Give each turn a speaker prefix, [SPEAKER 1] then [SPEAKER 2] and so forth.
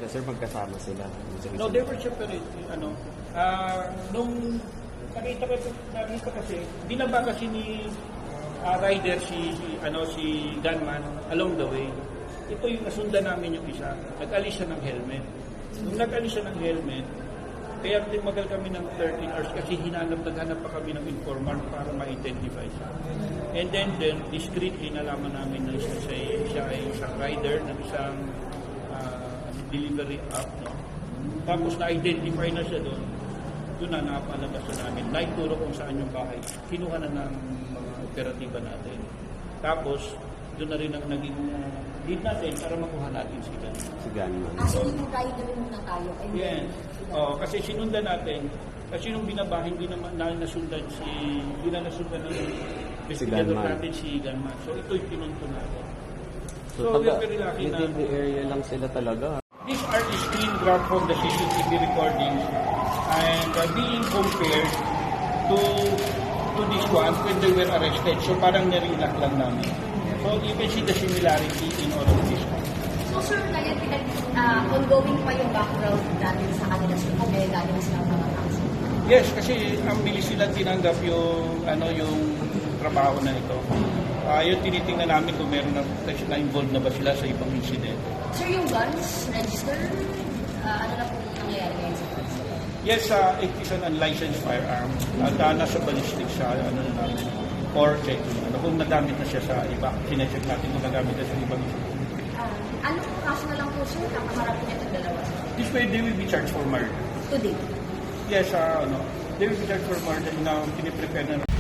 [SPEAKER 1] sila, sir, magkasama sila.
[SPEAKER 2] No, they were separate. Nung nakita kasi, binaba kasi ni rider si gunman along the way. Ito yung nasundan namin yung isa. Nag-alis siya ng helmet. Nung nag-alis siya ng helmet, kaya tumagal kami ng 13 hours kasi naghanap pa kami ng informant para ma-identify siya. And then discreetly nalaman namin na siya ay isang rider ng isang delivery app. No? Tapos na-identify na siya doon. Doon na napalabas na namin. Naituro kung saan yung bahay. Kinuha na ng mga operatiba natin. Tapos, doon na rin ang naging lead natin para makuha natin si Gunman.
[SPEAKER 3] So, yung rider muna tayo.
[SPEAKER 2] Yes. Kasi sinundan natin. Kasi nung binabahin, hindi na nasundan ng investigador natin si Gunman. So, ito yung pinunto natin.
[SPEAKER 1] So we are very lucky na within the area lang sila talaga.
[SPEAKER 2] These are the screen grab from the CCTV recordings and being compared to this one when they were arrested. So parang narinak lang namin. So you can see the similarity in all of this.
[SPEAKER 3] So sir, kaya ongoing pa yung background natin sa kanila sir kung kaya galing silang mga kaso?
[SPEAKER 2] Yes, kasi ang bilis sila tinanggap yung trabaho na ito. Yung tinitingnan namin kung meron na involved na ba sila sa ibang incident.
[SPEAKER 3] Sir, yung guns register, ano na po nangyayari ngayon sa guns?
[SPEAKER 2] Yes, it is an unlicensed firearm. At nasa ballistics siya, namin, or check, kung nagamit na siya sa iba. Sinecheck natin kung nagamit na sa ibang incident.
[SPEAKER 3] Ano po kaso na lang po sir, nakaharap niya itong dalawa?
[SPEAKER 2] This way, they will be charged for murder.
[SPEAKER 3] Today?
[SPEAKER 2] Yes, they will be charged for murder na piniprepare na